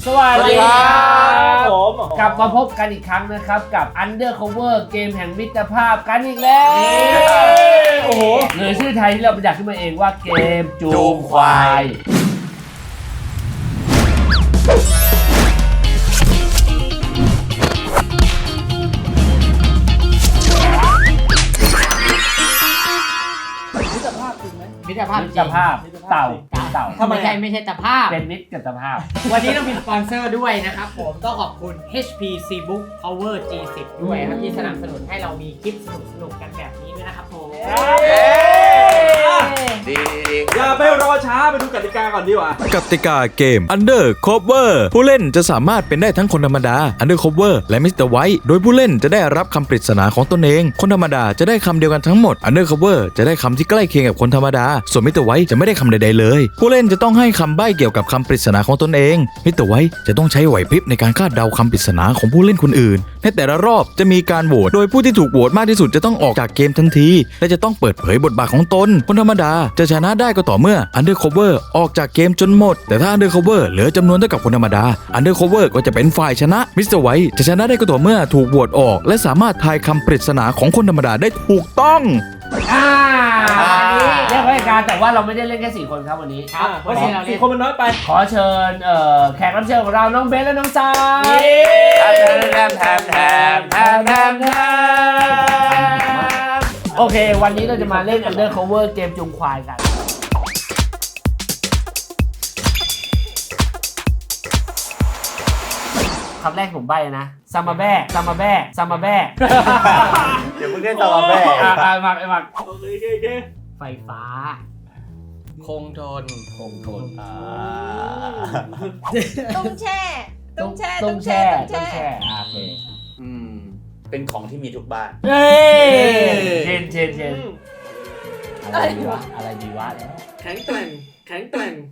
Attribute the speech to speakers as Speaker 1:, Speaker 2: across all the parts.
Speaker 1: สวัสดีครับ
Speaker 2: ผม
Speaker 1: กลับมาพบกันอีกครั้งนะครับกับ Undercover เกมแห่งมิตรภาพกันอีกแล้วโอ้โหหรือชื่อไทยที่เราประดักขึ้นมาเองว่าเกมจูงควาย
Speaker 3: มิตรภาพจริงไหมมิตรภาพจริง
Speaker 1: เต่า
Speaker 3: ทำไมไม่ใช่ตะภาพ
Speaker 1: เป็นมิตรกับตภาพ
Speaker 3: วันนี้เรามีสปอนเซอร์ด้วยนะครับผมต้องขอบคุณ HP Cbook Power G10 ด้วยครับที่สนับสนุนให้เรามีคลิปสนุกกันแบบนี้ด้วยนะครับผม
Speaker 2: ดีอย่าไปรอช้าไปดูกติกาก่อนดีกว่าก
Speaker 4: ติกาเกม Undercover ผู้เล่นจะสามารถเป็นได้ทั้งคนธรรมดา Undercover และ Mr. White โดยผู้เล่นจะได้รับคำปริศนาของตนเอง คนธรรมดาจะได้คำเดียวกันทั้งหมด Undercover จะได้คำที่ใกล้เคียงกับคนธรรมดา ส่วน Mr. White จะไม่ได้คำใดๆเลย ผู้เล่นจะต้องให้คำใบ้เกี่ยวกับคำปริศนาของตนเอง Mr. White จะต้องใช้ไหวพริบในการคาดเดาคำปริศนาของผู้เล่นคนอื่นในแต่ละรอบจะมีการโหวตโดยผู้ที่ถูกโหวตมากที่สุดจะต้องออกจากเกมทันทีและจะต้องเปิดเผยบทบาทของตนคนธรรมดาจะชนะได้ก็ต่อเมื่อ Undercover ออกจากเกมจนหมดแต่ถ้า Undercover เหลือจำนวนเท่ากับคนธรรมดา Undercover ก็จะเป็นฝ่ายชนะ Mr. White จะชนะได้ก็ต่อเมื่อถูกโหวตออกและสามารถทายคำปริศนาของคนธรรมดาได้ถูกต้อง
Speaker 1: เรียกว่าการแต่ว่าเราไม่ได้เล่นแค่4คนครับวันนี้
Speaker 3: ครับ
Speaker 2: เพราะสี่คนมันน้อยไป
Speaker 1: ขอเชิญแขกรับเชิญของเราน้องเบสและน้องซายโอเควันนี้เราจะมาเล่น Undercover เกมจุงควายกันคำแรกผมใบ้นะซามาแบ้ซามาแบ้ซามาแบ้
Speaker 2: เดี๋ยวมึงเล่นซามาแบ้
Speaker 1: มา
Speaker 2: โอเค
Speaker 3: ไฟฟ้า
Speaker 5: คงทน
Speaker 6: ตุ้งแช่
Speaker 1: โอเค
Speaker 5: เป็นของที่มีทุกบ้าน
Speaker 1: เชนอะไรดีวะ
Speaker 2: แข็งแกร่ง
Speaker 5: แข็งแกร่ง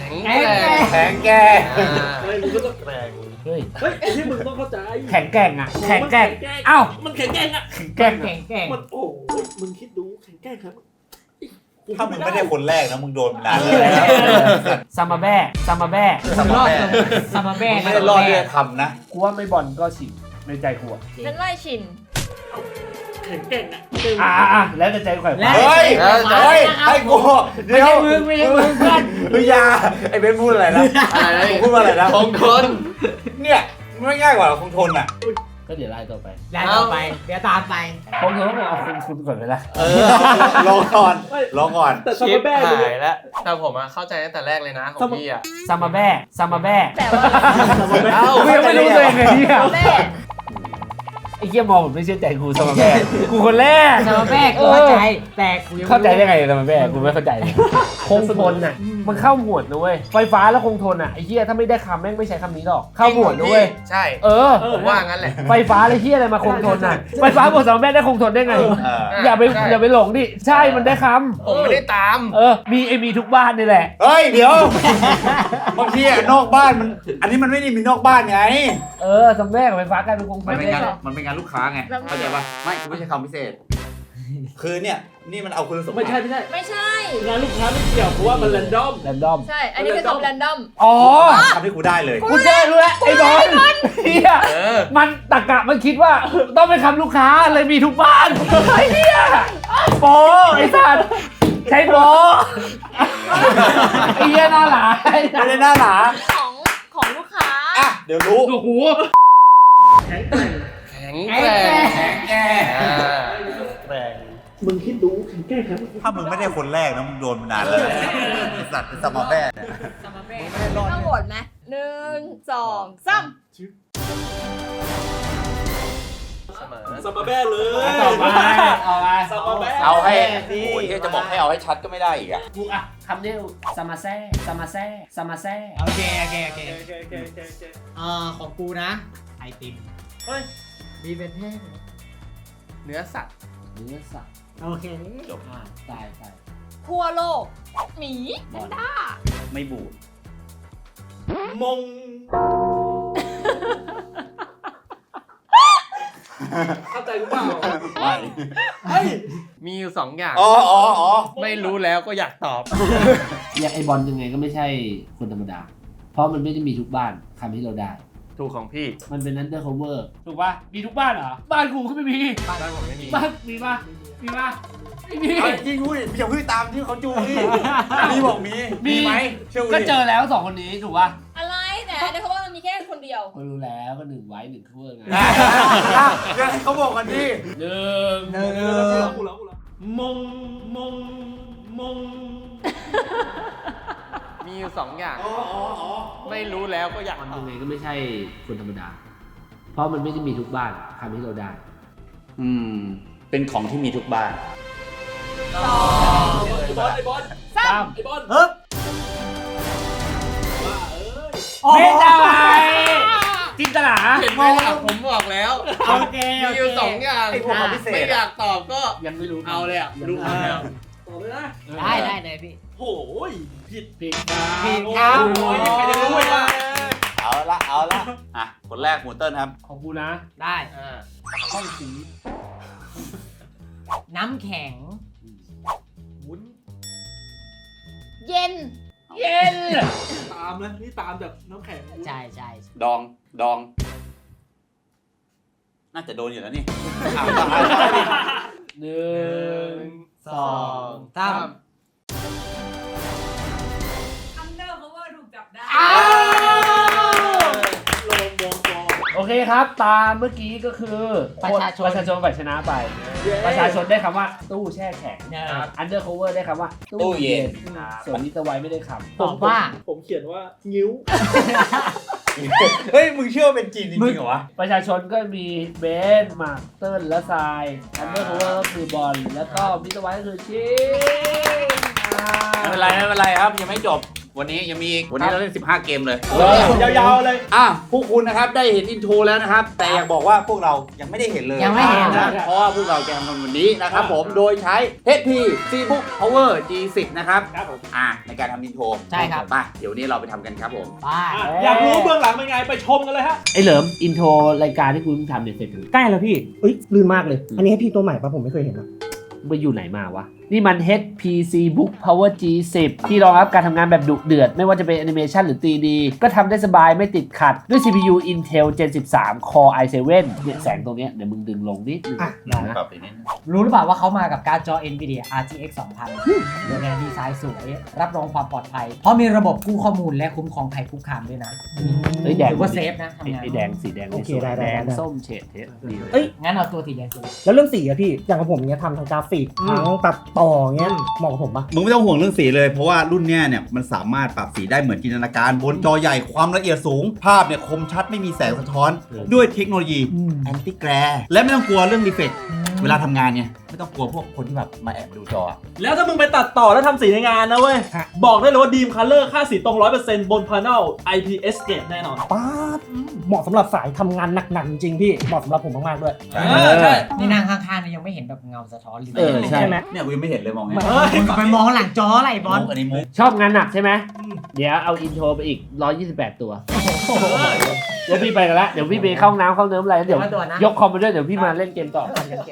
Speaker 2: เฮ้ยมึงก็ต้องแกร่ง
Speaker 1: เฮ้ย
Speaker 2: ที่มึงต้องเข้าใจ
Speaker 1: แข็งแกร่งอ่ะแข็งแกร่งเอ้า
Speaker 2: มันแข็งแกร่งอ่ะ
Speaker 1: แข็งแกร่ง
Speaker 2: มันโอ้มึงคิดดูแข็งแกร่งครับ
Speaker 5: ถ้ามึงไม่ได้คนแรกนะมึงโดนนานเลย
Speaker 1: ซามาแบ้ซามาแบ้
Speaker 3: รอดซามาแบ้
Speaker 5: ไม่ได้รอดด้วยคำนะ
Speaker 1: กูว่าไม่บอลก็ฉินในใจกูอ่ะ
Speaker 6: ฉันไล่ชิน
Speaker 2: แข็งแกร่ง
Speaker 1: อ่ะแล้วแต่ใจกู
Speaker 5: เฮ้ยให้กูเดี๋ยว
Speaker 3: ไม่ใช่มือเพื่อน
Speaker 5: อย่าไอ้เบนพูดอะไรนะพูดว่าอะไรนะคงทนเนี่ยไม่ง่ายกว่าคงทนอ่ะ
Speaker 1: ก็เดี๋ยวไล่ต่อไป
Speaker 3: เดี๋ยวตามไป
Speaker 1: ผมถือว่าผมเอาคุณก่อนไปละ
Speaker 5: รอก่อน
Speaker 2: แต่ซามาแบ้
Speaker 7: หายแล้วแต่ผมเข้าใจตั้งแต่แรกเลยนะของพี่
Speaker 1: ซามาแบ้
Speaker 6: แต่ว่า
Speaker 1: กูยังไม่รู้ตัวเองเลยเนี่ย
Speaker 6: แม่
Speaker 1: ไอ้เหี้ยมองผมไม่เชื่อใจกูซามาแบ้กูคนแรก
Speaker 3: ซามาแบ้กูเข้าใจแต่กูยัง
Speaker 1: เข้าใจได้ไงซามาแบ้กูไม่เข้าใจคงทนน่ะมันเข้าหมวดนะเว้ยไฟฟ้าแล้วคงทนอ่ะไอ้เหี้ยถ้าไม่ได้คำแม่งไม่ใช้คำนี้หรอกเข้าหมวดนะเว้ย
Speaker 7: ใช่ผมว่างั้นแหละ
Speaker 1: ไฟฟ้าอะไรเหี้ยอะไรมาคงทนน่ะไฟฟ้าบวกซามาแบ้ได้คงทนได้ไงอย่าไปหลงดิใช่มันได้คำ
Speaker 7: ผมไม่ได้ตาม
Speaker 1: มีทุกบ้านนี่แหละ
Speaker 5: เฮ้ยเดี๋ยวบางทีนอกบ้านมันอันนี้มันไม่ได้มีนอกบ้านไง
Speaker 1: ซามาแบ้กับไฟฟ้ากลายเป็นคงทน
Speaker 5: มันเป็นงานลูกค้าไงเข้าใจป่ะไม่กูไม่ใช่คำพิเศษคือเนี่ยนี่มันเอาคุณสมบัติ
Speaker 2: ไม่ใช่งานลูกค้าไม่เกี่ยวเพราะว่ามันแรนดอม
Speaker 6: ใช่อันนี้เป็นของแรนดอม
Speaker 5: ทำให้กูได้เลย
Speaker 1: กูเจอรู้แล้วไอ้บอลเฮียมันตะกะมันคิดว่าต้องเป็นคำลูกค้าเลยมีทุกบ้านไอ้เฮียโปไอ้สัตว์ใช่โปไอ้เฮียหน้าหลา
Speaker 5: ไม่ได้หน้าหลา
Speaker 6: ของลูกค้า
Speaker 5: อ่ะเดี๋ยวรู้
Speaker 1: โอ้โห
Speaker 7: แข็งแกร่ง
Speaker 2: มึงคิดดูแข็งแกร่งครับ
Speaker 5: ถ้ามึงไม่ได้คนแรกนะมึงโดนมานานแล้วสัตว์เป็นซามาแบ้
Speaker 6: ต้องโหวตไหม1 2 3
Speaker 2: ซามาแบ้เลย
Speaker 1: ต่อไป
Speaker 5: เอาให้โอ้ยจะบอกให้เอาให้ชัดก็ไม่ได้อีกอ่ะ
Speaker 1: คำเดียวซามาแซ่
Speaker 3: โอเคของกูนะไอติม
Speaker 2: เฮ้ย
Speaker 3: มีเป็นแห้ง
Speaker 7: เนื้อสัตว์
Speaker 3: โอเค
Speaker 1: จบตาย
Speaker 6: ทั่วโลกหมีแพนด้า
Speaker 5: ไม่บูด
Speaker 2: มงเข้าใจหรือเปล่า
Speaker 5: ไม่
Speaker 7: มีอยู่2อย่างไม่รู้แล้วก็อยากตอบ
Speaker 1: ไอ้บอลยังไงก็ไม่ใช่คนธรรมดาเพราะมันไม่ได้มีทุกบ้านคำให้เราได้
Speaker 7: ถูกของพี่
Speaker 1: มันเป็น undercover ถูกป่ะมีทุกบ้านเหรอบ้านกูก็ไม่มี
Speaker 7: บ้านผมไม่มี
Speaker 1: บ้านมีป่ะมีป่ะไม่มี
Speaker 5: เอาจริงพูดดิอย่าเพิ่งตามที่เขาจูนี่มีบอกมีไหมเชื่อกู
Speaker 1: ก็
Speaker 5: ดิ
Speaker 1: เจอแล้ว2คนนี้ถูกป่ะ
Speaker 6: อะไรแต่อันนี้เขาว่ามันมีแค่คนเดียว
Speaker 1: ก็รู้แล้วก็1ไว้1 cover ไง
Speaker 5: เดี๋ยวให้เขาบอกกันดิ
Speaker 1: หนึ่ง
Speaker 2: กูแล้วมง
Speaker 7: มีอยู่2อย่าง ไม่รู้แล้วก็อยาก
Speaker 1: มัน
Speaker 7: ตอ
Speaker 1: ยั
Speaker 7: บ
Speaker 1: งไงก็ไม่ใช่คนธรรมดา เพราะมันไม่ได้มีทุกบ้านทำให้เราได้
Speaker 5: เป็นของที่มีทุกบ้าน
Speaker 2: ไอ้บอล
Speaker 1: 3
Speaker 2: ไอ้บอล
Speaker 1: ไม่ได้จินตลา
Speaker 7: เห็นไหมล่ะผมบอกแล้ว
Speaker 3: โอเค
Speaker 7: มีอยู่2อย่าง
Speaker 5: ไอ้พวกของพิเศษ
Speaker 7: ไม่อยากตอบก็
Speaker 1: ยังไม่รู้
Speaker 7: เอาเลยอ่ะรู้แล้ว
Speaker 2: ต่อเลยนะ
Speaker 3: ได้เลยพี่
Speaker 2: โอ้ยผิด
Speaker 1: ผิด
Speaker 3: ผิดครับ
Speaker 2: โอ้ยใครจะรู้อีกล่ะ
Speaker 5: เอาละอ่ะคนแรกหมูเติ้ลครับ
Speaker 1: ของกูนะ
Speaker 3: ได้
Speaker 1: ห้องสี
Speaker 3: น้ำแข็ง
Speaker 2: วุ้น
Speaker 6: เย็น
Speaker 1: เย็น
Speaker 2: ตามนะนี่ตามแบบน้ำแข็ง
Speaker 3: ใช่ใช่
Speaker 5: ดอง น่าจะโดนอยู่แล้วนี่อ่ะ
Speaker 1: 1 2
Speaker 3: 3
Speaker 6: Undercover ถูกจับได้
Speaker 1: โอเคครับตามเมื่อกี้ก็คือประชาชนฝ่ายชนะไป ประชาชนได้คำว่าตู้แช่แข็ง undercover ได้คำว่าตู้เย็นส่วนมิสเตอร์ไวท์ไม่ได้คำ
Speaker 3: ตอบว่า
Speaker 2: ผมเขียนว่างิ้ว
Speaker 5: เฮ้ยมึงเชื่อว่าเป็นจีนจริงๆเหรอวะ
Speaker 1: ประชาชนก็มีเบนซ์มาร์คเติ้ลและทราย undercover ก็คือบอลแล้วก็มิสเตอร์ไวท์ก็คือชิง
Speaker 5: ไม่เป็นไรครับยังไม่จบวันนี้ยังมีอีกวันนี้เราเล่น15 เกมเลย
Speaker 2: ยาวๆเลย
Speaker 5: พวกคุณนะครับได้เห็นอินโทรแล้วนะครับ แต่อยากบอกว่าพวกเรายังไม่ได้เห็นเลย
Speaker 3: ยังไม่เห็น
Speaker 5: นะเพราะว่าพวกเราจะทำกันวันนี้นะครับผมโดยใช้ HP Cbook Power G10 นะครับ
Speaker 2: ครับผม
Speaker 5: ในการทำอินโทร
Speaker 3: ใช่ครับ
Speaker 5: ไปเดี๋ยวนี้เราไปทำกันครับผม
Speaker 3: ไป
Speaker 2: อยากรู้เบื้องหลังเป็นไงไปชมกันเลยฮะ
Speaker 1: ไอ้เหลิมอินโทรรายการที่คุณทำเนี่ยเสร็จหรือ
Speaker 8: ใกล้แล้วพี่เอ้ยลื่นมากเลย อันนี้ให้พี่ตัวใหม่ปะผมไม่เคยเห็นนะ
Speaker 1: ไปอยู่ไหนมาวะ นี่มัน HPC Book Power G10 ที่รองรับการทำงานแบบดุเดือด ไม่ว่าจะเป็นแอนิเมชันหรือ 3D ก็ทำได้สบายไม่ติดขัด ด้วย CPU Intel Gen 13 Core i7 เนี่ยแสงตรงเนี้ยเดี๋ยวมึงดึงลงนิดนึง
Speaker 8: อ่ะ
Speaker 1: นะ
Speaker 5: ปรับไปนิดนึง
Speaker 3: รู้หรือเปล่าว่าเขามากับการ์ดจอ Nvidia RTX 2000โดยงานดีไซน์สวย รับรองความปลอดภัย เพราะมีระบบกู้ข้อมูลและคุ้มครองภัยคุกคามด้วยนะ
Speaker 1: เฮ้ยแดง
Speaker 3: ถือว่าเซฟนะทำงาน
Speaker 1: ไอ้แดงสีแดง
Speaker 8: โอเค
Speaker 1: สวย
Speaker 8: ได้
Speaker 1: แดง
Speaker 8: ได้
Speaker 1: ส้มเฉดเทสดีเลย
Speaker 8: เอ้ย
Speaker 3: งั้นเอาตัวสีแดงตัว
Speaker 8: แล้วเรื่องสีอะพี่ อย่างของผมเนี้ยทำทางกราฟิกทั้งตัดต่อเงี้ยเหมาะกับผมปะ
Speaker 9: มึงไม่ต้องห่วงเรื่องสีเลยเพราะว่ารุ่นเนี้ยเนี่ยมันสามารถปรับสีได้เหมือนจินตนาการบนจอใหญ่ความละเอียดสูง ภาพเนี่ยคมชัดไม่มีแสงสะท้อน ด้วยเทคโนโลยีแอนตี้แกรและไม่ต้องกลัวเรื่องรีเฟกเวลาทำงานเนี่ยไม่ต้องกลัวพวกคนที่แบบมาแอบดูจอ
Speaker 2: แล้วถ้ามึงไปตัดต่อแล้วทำสีในงานนะเว้ย บอกได้เลยว่าดีมคัลเลอร์ค่าสีตรง 100% บนพาเนล IPS เกรดแน่นอน
Speaker 8: ป๊าดเหมาะสำหรับสายทำงานหนักๆจริงๆพี่ เหมาะสำหรับผมมากๆด้วย
Speaker 2: ใช่
Speaker 3: นี่นั่งข้างๆนี่ยังไม่เห็นแบบเงาสะท้อนเลย
Speaker 1: ใช่
Speaker 8: ใช่ไหม
Speaker 5: เนี่ยกูยังไม่เห็นเลยมองไง
Speaker 3: ไปมองหลังจออะไรบอล
Speaker 5: มุกอันนี้มุก
Speaker 1: ชอบงานหนักใช่ไหม เดี๋ยวเอาอินโทรไปอีก 128 ตัว เดี๋ยวพี่ไปกันละเดี๋ยวพี่ไปเข้าห้องน้ำเข้าเนิ้มอะไรแล้วเดี๋ยวยกคอมไปด้วยเดี๋ยวพี่มาเล่นเกมต่อ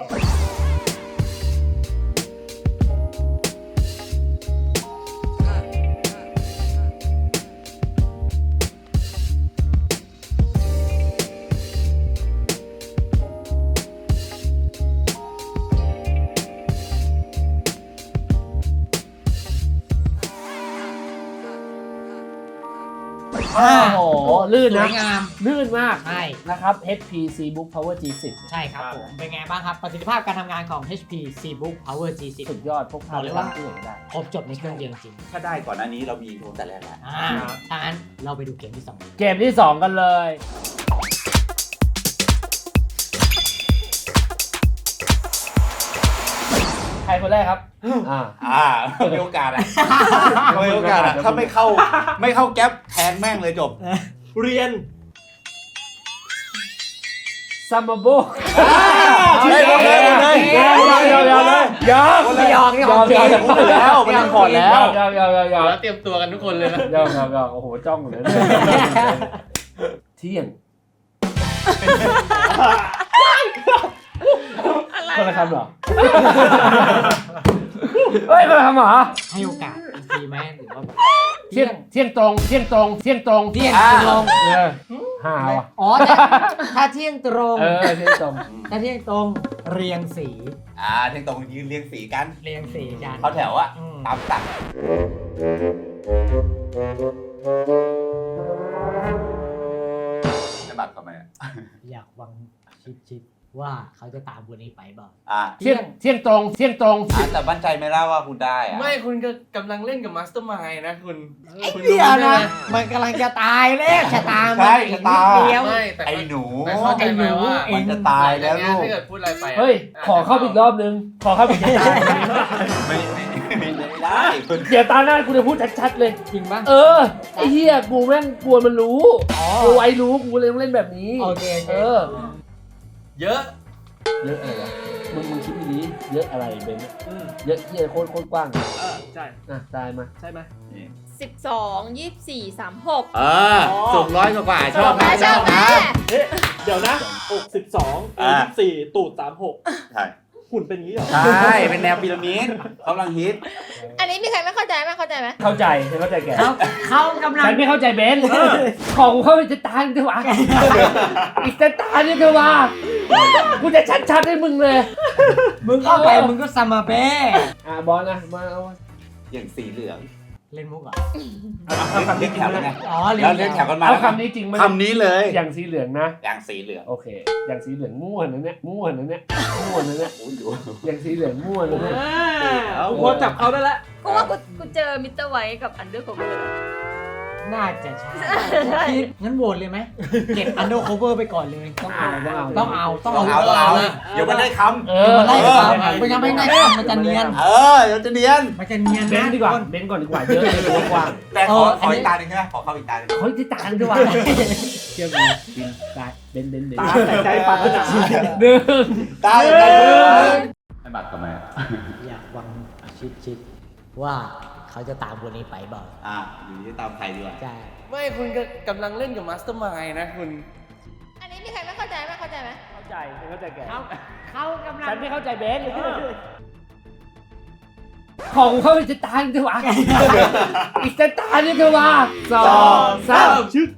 Speaker 1: โอ้โห ลื่น
Speaker 3: ส
Speaker 1: นะ
Speaker 3: วยงาม
Speaker 1: ลื่นมาก
Speaker 3: ใช่
Speaker 1: นะครับ HPC Book Power G10
Speaker 3: ใช่ครับผม เป็นไงบ้างครับ ประสิทธิภาพการทำงานของ HP Cbook Power G10
Speaker 1: สุดยอดพกพา
Speaker 3: บอกเลยว่า
Speaker 1: ที่ไหนก็ได้
Speaker 3: ครบจบในเครื่องเดียวจริง
Speaker 5: ถ้าได้ก่อนหน้านี้เรามีอินโทรแต่แรกแล้ว
Speaker 3: ถ้างั้นเราไปดูเกมที่ 2
Speaker 1: เกมที่ 2 กันเลย ใครคนแรกครับ
Speaker 5: มีโอกาสอะมีโอกาสอะถ้าไม่เข้าแก๊ปแทงแม่งเลยจบ
Speaker 2: เรียน
Speaker 1: ซัมเบอร์โบ
Speaker 5: เลยยอม แล้วมันยังผ่อนแล้ว
Speaker 7: แล้วเตรียมตัวกันทุกคนเลยนะ
Speaker 1: ยอมโอ้โห จ้องเลย เที่ยง
Speaker 6: อะไร
Speaker 1: คนละคำเหรอ เฮ้ยคนละคำเหรอ
Speaker 3: ให้โอกาสอีกทีไหมหรือว่าแบบ
Speaker 1: เที่ยงตรงเที่ยงตรงเที่ยงตรง
Speaker 3: เที่ยงตรง
Speaker 1: หาวอ่ะ
Speaker 3: อ๋อแต่ถ้าเที่ยงตรง
Speaker 1: เที่ยงตรง
Speaker 3: ถ้าเที่ยงตรงเรียงสี
Speaker 9: เที่ยงตรงยืนเรียงสีกัน
Speaker 3: เรียงสีกัน
Speaker 9: เข้าแถวอะ
Speaker 3: อืม
Speaker 9: ตามสั่งจะบัตรทำไมอะ
Speaker 3: อยากวังชิดว่าเขาจะตามคนนี้ไปบ่า
Speaker 1: เที่ยงตรงเที่ยงตรง
Speaker 9: แต่มั่นใจไหมล่ะว่าคุณได้อะ
Speaker 7: ไม่คุณก็กำลังเล่นกับมาสเตอร์มายนะคุณ
Speaker 3: ไอ้
Speaker 7: คุณ
Speaker 3: เดียว
Speaker 7: รู้
Speaker 3: นะ
Speaker 7: ไหม
Speaker 3: มันกำลังจะตายแล้วชะตามัน
Speaker 9: ใช่
Speaker 3: อีก
Speaker 9: ชะตา
Speaker 3: นิดเดียว
Speaker 7: ไม่แต่
Speaker 9: ไอ้หนู
Speaker 7: แต่เข้าใจไหมว่า
Speaker 9: มันจะตายแล้วลูก
Speaker 7: ถ้าเกิดพูดอะไรไปอะ
Speaker 1: เฮ้ย ขอเข้าไปอีกรอบนึง ขอเข้าไปอีกรอบ
Speaker 9: ไม่ได้คุณ
Speaker 1: เดี๋ยวตาหน้ากูจะพูดชัดๆเลย
Speaker 3: จริงปะ
Speaker 1: ไอ้เหี้ยกูแม่งกลัวมันรู้กลัวไว้รู้กูเลยต้องเล่นแบบนี้
Speaker 3: โอเค
Speaker 7: เยอะ
Speaker 1: เยอะอะไรวะมึงคิดดีๆเยอะอะไรเบนซ์เยอะเหี้ยโคตรกว้าง
Speaker 2: ใช่
Speaker 1: ตายมา
Speaker 2: ใช่ไหม
Speaker 6: 12 24 36
Speaker 9: สูงร้อยกว่าชอบไหม
Speaker 6: ชอบไหม
Speaker 2: เอ๊ะเดี๋ยวนะอก12 24ตูด36
Speaker 9: ใช่
Speaker 2: หุ่นเป็นงี้เหรอ
Speaker 9: ใช่ เป็นแนวพีระมิดกำลังฮิต
Speaker 6: อันนี้มีใครไม่เข้าใจไหมเข้าใจไหม
Speaker 1: เข้าใจฉันเข้าใจแก
Speaker 3: เขากำลัง
Speaker 1: ฉันไม่เข้าใจเบนซ์ขอกูเข้าไปจะตายดีกว่าอีกจะตายดีกว่ากูจะชัดๆให้มึงเลย
Speaker 3: มึงเข้าไปมึงก็สมาเบ้
Speaker 1: บอลนะมาเอา
Speaker 9: อย่างสีเหลือง
Speaker 3: เล่นมุกเหรอ
Speaker 1: เอาคำ
Speaker 9: เรี
Speaker 1: นี้
Speaker 9: ยก
Speaker 1: จริ
Speaker 9: แถ
Speaker 1: ง
Speaker 9: ว
Speaker 1: ไหม
Speaker 9: แล้วไง
Speaker 3: อ๋อ
Speaker 9: แล้วเรียกแถวกันมา
Speaker 1: เอา
Speaker 9: แล้ว
Speaker 1: คำนี้จริงไหม
Speaker 9: คำนี้เลย
Speaker 1: อย่างสีเหลืองนะ
Speaker 9: อย่างสีเหลือง
Speaker 1: โอเค อย่างสีเหลืองม่วนนะเนี่ยม่วนนะเนี่ยม่วนนะเนี่ย
Speaker 9: โอ้ยดู
Speaker 1: อย่างสีเหลืองม่วนนะเนี่ย
Speaker 2: กูพอจับเขาได้แล้ว
Speaker 6: กูว่ากูเจอมิสเตอร์ไวท์กับอันเดอร์โคเวอร์
Speaker 3: น่าจะใช่งั้นโหวตเลยไหมเก็บอันเดอร์โคเวอร์ไปก่อนเลย
Speaker 1: ต้องเอา
Speaker 9: ต้องเอาเดี๋ยวมันได้คำ
Speaker 3: มันไล่ตามมันยังไม่ได้ทำมันจะเนียน
Speaker 9: เดี๋ยวจะเนียน
Speaker 3: มันจะเนียน
Speaker 1: เบน
Speaker 3: นะ
Speaker 1: ดีกว่าเบนก่อนดีกว่าเยอะเลยตัวกว้าง
Speaker 9: แต่ขออีกตาหนึ่งใช่ไหมขอเข้าอีกตาหนึ่ง
Speaker 1: เฮ้ยที่ต่างดีกว่าเชื่อกูบินได้เบน
Speaker 2: ตาแต่ใจปรารถนา
Speaker 1: หนึ่ง
Speaker 9: ตาเลยให้บัตรทำไม
Speaker 3: อยากวังชิดว่าเขาจะตามคนนี้ไปบ่า
Speaker 9: อยู่ที่ตามใครดีกว่า
Speaker 3: ใช่
Speaker 7: ไม่คุณก็กำลังเล่นกับมาสเตอร์มายนะคุณ
Speaker 6: อันนี้มีใครไม่เข้าใจไหมเข้าใจไหม
Speaker 1: เข้าใจฉันเข้าใจแก
Speaker 3: เขากำลัง
Speaker 1: ฉันไม่เข้าใจเบนของเข้าไปจะตายดีกว่าอีกจะตายดีกว่า2 3
Speaker 2: ชึก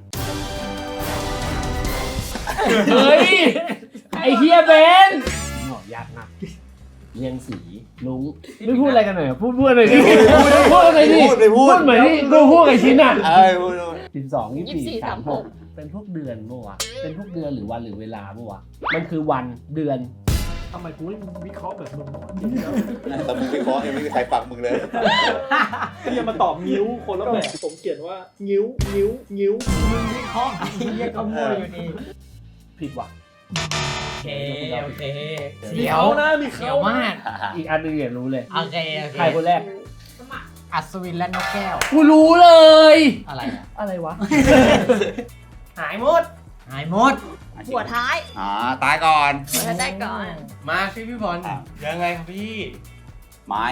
Speaker 1: เฮ้ยไอเฮียเบนยากนะเรียงสีลุงไม่พูดอะไรกันหน่อยพูดอะไรดิพูดอะไรดิพูดเหมือนที่กูพูดกับชิ้นอ่ะ
Speaker 9: พูด
Speaker 1: 12 24 36เป็นพวกเดือนปะวะเป็นพวกเดือนหรือวันหรือเวลาปะวะมันคือวันเดือน
Speaker 2: ทำไมกูไม่วิเคราะห์แบบมึงวะ
Speaker 9: แต่มึงวิเคราะห์ยังไม่มีใครฟังมึงเลย
Speaker 2: เนี่ยมาตอบงิ้วคนละแบบผมเขียนว่างิ้วงิ้วงิ้ว
Speaker 3: มึงวิเคราะห์ไอ้เหี้ยเขามั่วอยู่นี่
Speaker 1: ผิดว่ะ
Speaker 3: โอเค
Speaker 2: มี
Speaker 3: เดี๋ยว
Speaker 2: เขานะมี
Speaker 3: เดี๋
Speaker 2: เขา
Speaker 3: ยวมาก
Speaker 1: อีกอันหนึงอย่ารู้เลย
Speaker 3: โอเค
Speaker 1: ใครคนแรก
Speaker 3: อัศวินและนกแก้ว
Speaker 1: กูรู้เลย
Speaker 3: อะไรอ่ะ
Speaker 1: อะไรวะ
Speaker 3: หายหมด หายหมด
Speaker 6: หัวท้าย
Speaker 9: ตายก่อน
Speaker 6: หัวท้ายก่อน
Speaker 7: มาสิพี่บอลยังไงครับพี่
Speaker 9: ไม้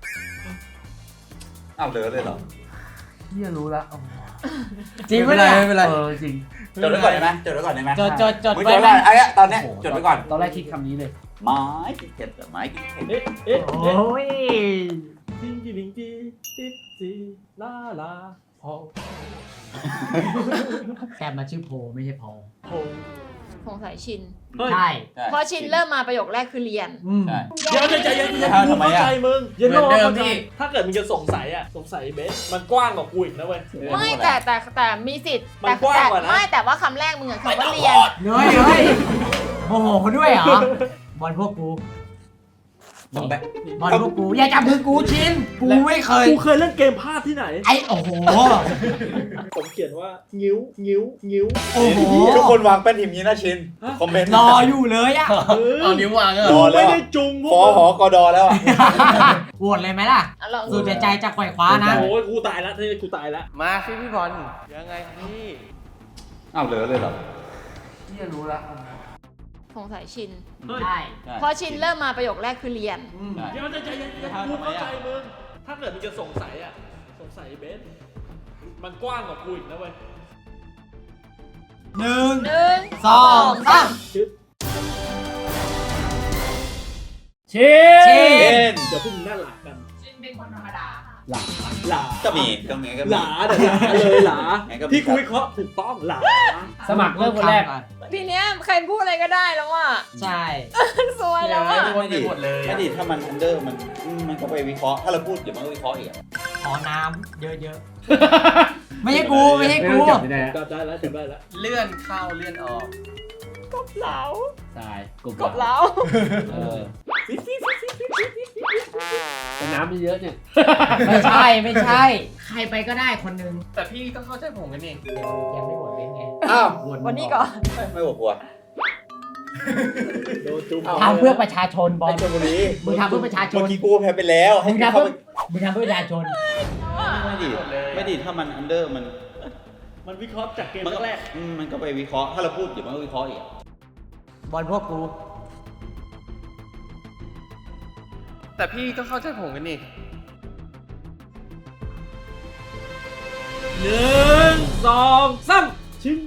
Speaker 9: เหลือเลยเหรอ
Speaker 1: เฮียรู้ละ
Speaker 3: จริงไหมเนี่ย
Speaker 7: ไม่เป็นไร
Speaker 1: จริง
Speaker 9: จดไว้ก่อนได้ไหมจดไว้ก่อนได้ไหม
Speaker 3: จด
Speaker 9: มึง
Speaker 3: ไว้
Speaker 9: จด
Speaker 3: ไหม
Speaker 9: ไว้ไอ้ตอนเนี้ยจดไว้ก่อน
Speaker 1: ตอนแรกคิดคำนี้เลย
Speaker 9: ไม้กินเผ็ดไม้กินเผ็ด
Speaker 2: เอ๊ะเอ๊ะ
Speaker 3: โอ้ย
Speaker 2: จิงจิงจิติ๊ดจีลาลาพอ
Speaker 3: แต่มาชื่อโพไม่ใช่พอ
Speaker 2: โพ
Speaker 6: สงสัยชิน
Speaker 3: ใช่
Speaker 6: พอชินเริ่มมาประโยคแรกคือเรียน
Speaker 9: ใช่
Speaker 2: เดี๋ยวใจเย็นๆกูเข้าใจมึงเย็นโน่เข้าใจถ้าเกิดมึงจะสงสัยอ่ะสงสัยเบสมันกว้างกว่ากูอีกนะเว้ย
Speaker 6: ไม่แต่มีสิทธิ์
Speaker 2: มันกว้างกว่านะ
Speaker 6: ไม่แต่ว่าคำแรกมึงอะคำว่าเรียน
Speaker 3: เฮ้ยโมโหเขาด้วยเหรอ บอลพวกกู บอลพวกกู อย่าจับมือกูชิน กูไม่เคย
Speaker 2: กูเคยเล่นเกมพลาดที่ไหน
Speaker 3: ไอ้โอ้โห
Speaker 2: ผมเขียนว่างิ้วงิ้วงิ้ว
Speaker 3: โอ้โห
Speaker 9: ทุกคนวางแป้นทีมนี้นะชิน คอมเมนต์
Speaker 3: รออยู่เลยอะ
Speaker 7: เอานิ้ววางเหร
Speaker 9: ร
Speaker 7: อ
Speaker 9: อแล้ว
Speaker 2: ไม่ได้จุงพว
Speaker 9: ฟอก หอกดอแล้วอ่ะ
Speaker 3: โหวตเลยไหมล่ะ
Speaker 6: อ่ะลอง
Speaker 3: สุดใจจะไขว่คว้านะ
Speaker 2: โอ้ยกูตายแล้วกูตายแล้ว
Speaker 7: มาสิพี่บอลยังไงครับพี่
Speaker 9: เหลือเลยเหรอ
Speaker 1: เฮียรู้ละ
Speaker 6: สงสัยชิน
Speaker 3: ใช่
Speaker 6: พอชินเริ่มมาประโยคแรกคือเรียน
Speaker 2: เดี๋ยวใจเย็นๆกูเข้าใจมึงถ้าเกิดมึงจะสงสัยอ่ะสงสัยเบสมันกว้างกว่ากูอีกนะเว้ย
Speaker 3: หนึ่ง
Speaker 6: หนึ่ง
Speaker 3: สองสาม
Speaker 2: ชึด
Speaker 1: ชิน
Speaker 2: เดี๋ยวพวกมึงน่าหลากัน
Speaker 3: ชินเป็นคนธรรมดา
Speaker 1: หลัง
Speaker 2: หลา
Speaker 9: ก็มีก็มี
Speaker 2: หลาเดี๋ยวหลาเลยหลา
Speaker 9: ไงก็มี
Speaker 2: ที่กูวิเคราะห์ถูกต้องหลา
Speaker 1: สมัครเริ่มคนแรก
Speaker 6: ทีเนี้ยใครพูดอะไรก็ได้แล้วอ่ะ
Speaker 3: ใช่
Speaker 6: สวยแล้วอ่ะ
Speaker 7: ไม่ได้หมดเลย
Speaker 9: ไม่ดิถ้ามันอันเดอร์มันก็ไปวิเคราะห์ถ้าเราพูดเดี๋ยวมันก็วิเคราะห์อีกอะ
Speaker 3: ขอน้ำเยอะๆ ไม่ใช่กูไม่ใช่กู
Speaker 1: จับไม่ได้
Speaker 2: จับได้แล้วจับได้แล้ว
Speaker 7: เลื่อนเข้าเลื่อนออก
Speaker 6: กบเหลา
Speaker 1: ตาย
Speaker 6: กบเหลา
Speaker 1: เออแต่น้ำมันเยอะเนี่ย
Speaker 3: ไม่ใช่ ใครไปก็ได้คนนึง
Speaker 7: แต่พี่ก็เข้าใจผมกันนี่
Speaker 3: เดี๋ยวยังไม่หมดเล่นไง
Speaker 9: อ้าว
Speaker 6: วันนี้ก่อน
Speaker 9: ไม่บอกกลัว
Speaker 2: โดนจุ๊บ
Speaker 3: ทำเพื่อประชาชนบอล
Speaker 9: ไอ้ชลบุรี
Speaker 3: มึงทำเพื่อประชาชน
Speaker 9: เมื่อกี้กูแพ้ไปแล้วให้
Speaker 3: มึงทำ
Speaker 9: เข้า
Speaker 3: เพื่อ
Speaker 9: ไป
Speaker 3: มึงทำเพื่อประชาชน
Speaker 9: ไม่ดิถ้ามันอันเดอร์มัน
Speaker 2: มันวิเคราะห์จากเกมแรก
Speaker 9: มันก็ไปวิเคราะห์ถ้าเราพูดเดี๋ยวมันก็วิเคราะห์อีกอะ
Speaker 3: บอลพวกกู
Speaker 7: แต่พี่ก็เข้าใจผมกันนี่
Speaker 2: 1 2 3ชิ้น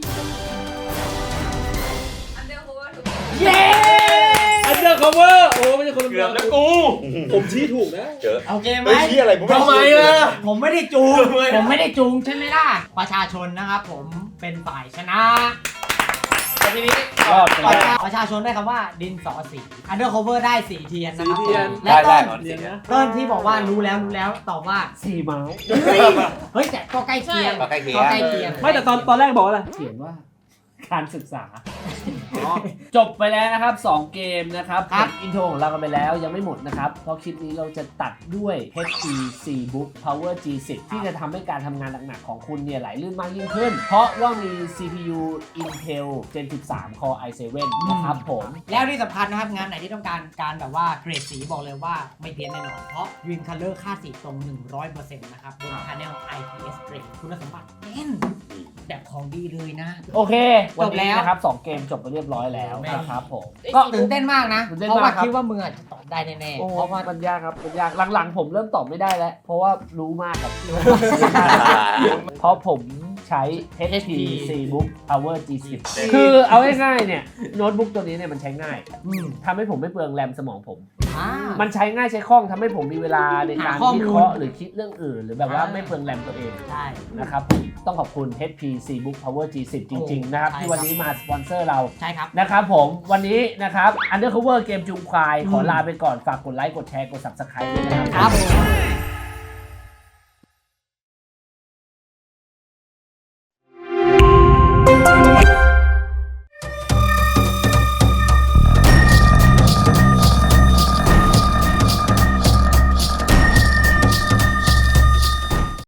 Speaker 6: อันเดอร์โฮเวอร์ถูก
Speaker 3: เย้
Speaker 2: อันเดอร์คัฟเวอร์โอ้ไม่ใช่คนละ
Speaker 7: เกือบแล้วกู
Speaker 2: ผมชี้ถูกนะ
Speaker 9: เจอ
Speaker 3: โอเคไหม
Speaker 9: เฮ้ยที่อะไรผม
Speaker 7: ทำไมล่ะ
Speaker 3: ผมไม่ได้จูง ผมไม่ได้จูงใช่ไหมล่ะ ประชาชนนะครับผมเป็นฝ่ายชนะแต่ทีนี้
Speaker 1: รอดไปแล้ว
Speaker 3: ประชาชนได้คำว่าดินสอสี Undercover ได้สีเทียนนะครับ
Speaker 2: สีเทียน
Speaker 3: และ
Speaker 9: ได้
Speaker 3: ต้น
Speaker 2: เรียนนะ
Speaker 3: ต้นที่บอกว่ารู้แล้วตอบว่า
Speaker 1: สี่ไม้
Speaker 3: เฮ้ยแต่ก็ใกล้เคียง
Speaker 9: ก็ใกล้เคียง
Speaker 3: ก็ใกล้เคียง
Speaker 2: ไม่แต่ตอนแรกบอกว่าอะไร
Speaker 1: เขียนว่าการศึกษา จบไปแล้วนะครับ 2 เกมนะครับ
Speaker 3: ครับ
Speaker 1: อินโทรของเรากันไปแล้วยังไม่หมดนะครับ เพราะคลิปนี้เราจะตัดด้วย HTC Book Power G10 ที่จะทำให้การทำงานหนักๆของคุณเนี่ยไหลลื่นมากยิ่งขึ้น เพราะว่ามี CPU Intel Gen 13 Core i7 นะครับผม
Speaker 3: แล้วที่สำคัญนะครับงานไหนที่ต้องการแบบว่าเกรดสีบอกเลยว่าไม่เพี้ยนแน่นอน เพราะ Green Color ค่าสีตรง 100% นะครับบน Panel IPS Grade คุณสมบัติแน่นแบบของดีเลยนะ
Speaker 1: โอเค วัน
Speaker 3: จบแล้
Speaker 1: นี้
Speaker 3: ว
Speaker 1: นะครับ 2 เกมจบไปเรียบร้อยแล้วนะครับผม
Speaker 3: ก็ตื่นเต้นมากนะ
Speaker 1: ตื่นเต้น
Speaker 3: เพราะ
Speaker 1: มา
Speaker 3: ว่าก
Speaker 1: ครับ
Speaker 3: คิดว่ามึงอาจจะตอบได้แน่ๆ
Speaker 1: โอ้
Speaker 3: เพราะว่า
Speaker 1: มันยากครับมันยากหลังๆผมเริ่มตอบไม่ได้แล้ว เพราะว่ารู้มากครับ เพราะผมใช้ HTC Book Power G10 คือเอาง่ายๆเนี่ยโน้ตบุ๊กตัวนี้เนี่ยมันใช้ง่าย
Speaker 3: อืม
Speaker 1: ทำให้ผมไม่เปลืองแรมสมองผม
Speaker 3: อ่า
Speaker 1: มันใช้ง่ายใช้คล่องทำให้ผมมีเวลาในการ
Speaker 3: หาข้อมูล
Speaker 1: วิเคราะห์หรือคิดเรื่องอื่น หรือแบบว่า
Speaker 3: อ่า
Speaker 1: ไม่เปลืองแรมตัวเอง
Speaker 3: ใช่
Speaker 1: นะครับผมต้องขอบคุณ HTC Book Power G10 จริงๆนะครับ
Speaker 3: ใช่
Speaker 1: ที่วันนี้มาสปอนเซอร์เรา
Speaker 3: ใช่ครับ
Speaker 1: นะครับผมวันนี้นะครับ Undercover เกมจุงควายขอลาไปก่อนฝากกดไลค์กดแชร์กด Subscribe ด้วยนะครับ
Speaker 3: ครับ